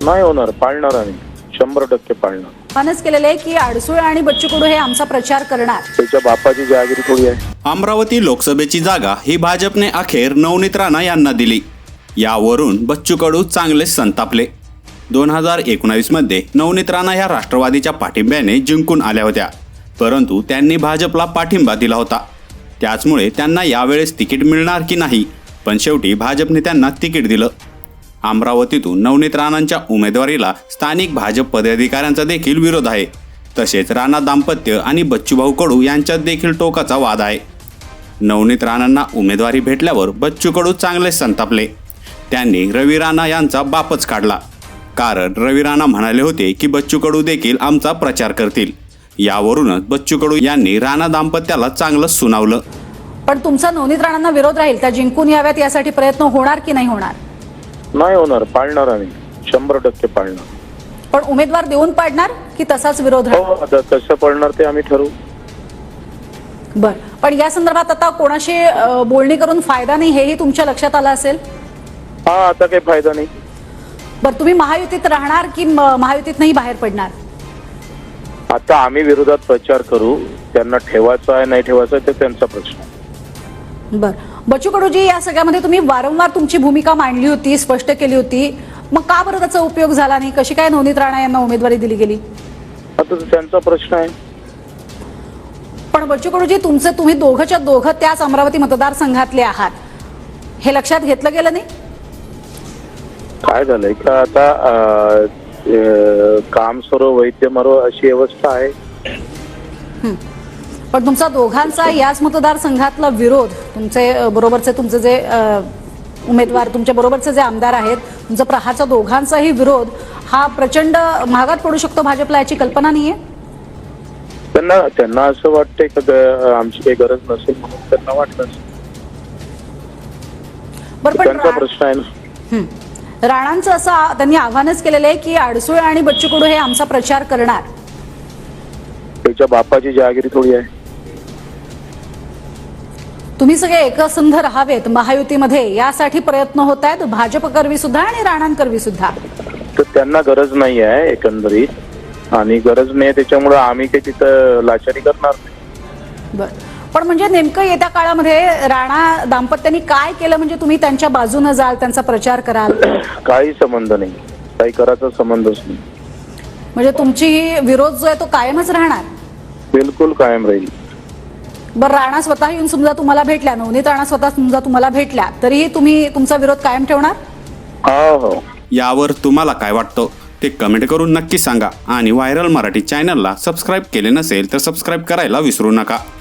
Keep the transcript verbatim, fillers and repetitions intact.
नाही होणार, पाळणार आम्ही, शंभर टक्के पाळणार. मानच केलेलं आहे की अडसूळ आणि बच्चू कडू हे आमचा प्रचार करणार. त्याच्या बापाची जहागिरी थोडी आहे. अमरावती लोकसभेची जागा ही भाजपने अखेर नवनीत राणा यांना दिली. यावरून बच्चू कडू चांगलेच संतापले. दोन हजार एकोणावीस मध्ये नवनीत राणा ह्या राष्ट्रवादीच्या पाठिंब्याने जिंकून आल्या होत्या, परंतु त्यांनी भाजपला पाठिंबा दिला होता. त्याचमुळे त्यांना यावेळेस तिकीट मिळणार की नाही, पण शेवटी भाजपने त्यांना तिकीट दिलं. अमरावतीतून नवनीत राणांच्या उमेदवारीला स्थानिक भाजप पदाधिकाऱ्यांचा देखील विरोध आहे. तसेच राणा दाम्पत्य आणि बच्चूभाऊ कडू यांच्यात देखील टोकाचा वाद आहे. नवनीत राणांना उमेदवारी भेटल्यावर बच्चू कडू चांगले संतापले. त्यांनी रवी राणा यांचा बापच काढला, कारण रवी राणा म्हणाले होते की बच्चू कडू देखील आमचा प्रचार करतील. यावरूनच बच्चू कडू यांनी राणा दाम्पत्याला चांगलं सुनावलं. पण तुमचा नवनीत राणांना विरोध राहील, त्या जिंकून याव्यात यासाठी प्रयत्न होणार की नाही होणार? नाही होणार, पाळणार आम्ही, शंभर टक्के पाळणार. पण उमेदवार देऊन पाडणार की तसाच विरोध राहील? हो, आता कसं पडणार ते आम्ही ठरवू. बर, पण या संदर्भात आता कोणाशी अ, बोलणी करून फायदा नाही हेही तुमच्या लक्षात आलं असेल. हा, आता काही फायदा नाही. बर, तुम्ही महायुतीत राहणार की म- महायुतीत नाही बाहेर पडणार? आता आम्ही विरोधात प्रचार करू, त्यांना ठेवायचा आहे नाही ठेवायचा आहे ते त्यांचा प्रश्न. बर, बच्चू कडूजी, या सगळ्यामध्ये तुम्ही वारंवार तुमची भूमिका मांडली होती, स्पष्ट केली होती, मग का बरं त्याचा उपयोग झाला नाही? कशी काय नवनीत राणा यांना उमेदवारी दिली गेली? आता तो त्यांचा प्रश्न आहे. पण बच्चू कडूजी, तुमचे तुम्ही दोघंच्या दोघं त्याच अमरावती मतदारसंघातले आहात, हे लक्षात घेतलं गेलं नाही? काय झालंय का आता अं, अं, काम सरो वैद्य मरो अशी व्यवस्था आहे. पण तुमचा दोघांचा याच मतदारसंघातला विरोध, तुमचे अ, बरोबरचे तुमचे जे अ, उमेदवार, तुमच्या बरोबरचे जे आमदार आहेत, तुमचा प्रहारचा दोघांचाही विरोध हा प्रचंड महागात पडू शकतो भाजपला, याची कल्पना नाहीये? त्यांना त्यांना असं वाटतंय का ग- आमची काही गरज नसेल म्हणून त्यांना वाटलं असेल. बरं, पण त्यांचा रा- प्रश्न आहे ना. हं. राणांचं असं आ- त्यांनी आव्हानच केलेलं आहे की अडसूळ आणि बच्चू कडू हे आमचा प्रचार करणार. त्याच्या बापाची जहागिरी थोडी आहे. तुम्ही सगळे एकसंध राहावेत महायुतीमध्ये, यासाठी प्रयत्न होत आहेत, भाजप करवी सुद्धा आणि राणांकरवी सुद्धा. तर त्यांना गरज नाही आहे एकंदरीत, आणि गरज नाही त्याच्यामुळे आम्ही काही तिथं लाचारी करणार नाही. बर, पण म्हणजे नेमकं येत्या काळामध्ये राणा दाम्पत्यांनी काय केलं म्हणजे तुम्ही त्यांच्या बाजूने जाल, त्यांचा प्रचार कराल? काही संबंध नाही, काही करायचा संबंधच नाही. म्हणजे तुमची ही विरोध जो आहे तो कायमच राहणार? बिलकुल कायम राहील. बरं, राणा स्वतः येऊन समजा तुम्हाला भेटल्या, नवनीत राणा स्वतः समजा तुम्हाला भेटल्या, तरीही तुम्ही तुमचा विरोध कायम ठेवणार? हो हो. यावर तुम्हाला काय वाटतं ते कमेंट करून नक्की सांगा. आणि व्हायरल मराठी चॅनलला सबस्क्राईब केले नसेल तर सबस्क्राईब करायला विसरू नका.